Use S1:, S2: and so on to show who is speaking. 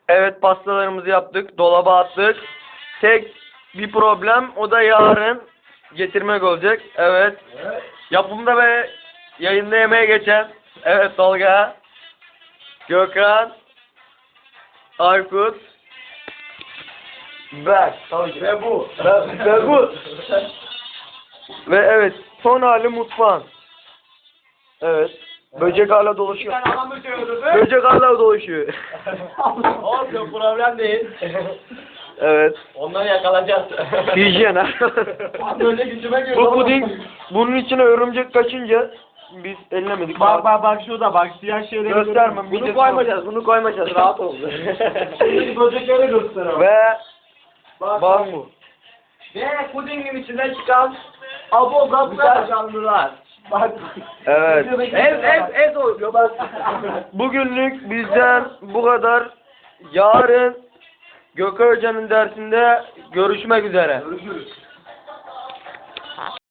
S1: Evet, pastalarımızı yaptık. Dolaba attık. Tek bir problem, o da yarın getirmek olacak. Evet. Yapımda ve yayında yemeğe geçen. Evet, Tolga, Gökhan, Aykut ve bu. Ve bu. Ve evet, son hali mutfağın. Evet. Böcek hala dolaşıyor.
S2: Sen adam mı söylüyorsun?
S1: Böcek hala dolaşıyor.
S2: Olsun, problem değil.
S1: Evet.
S2: Onları yakalayacağız.
S1: Hijyen ha.
S2: Böyle gücüme girdi.
S1: Bu puding, bunun içine örümcek kaçınca biz ellemedik.
S2: Bak şurada bak, siyah şeyleri
S1: Göstermem.
S2: Bunu koymayacağız, bunu koymayacağız. Rahat ol. Şimdi böcekleri göster.
S1: Ve
S2: Bak
S1: bu.
S2: Ve pudingin içinden çıkan abogaplar canlılar. Bak.
S1: Evet.
S2: Ez oluyor bak.
S1: Bugünlük bizden bu kadar. Yarın Gökhan Hoca'nın dersinde görüşmek üzere.
S2: Görüşürüz.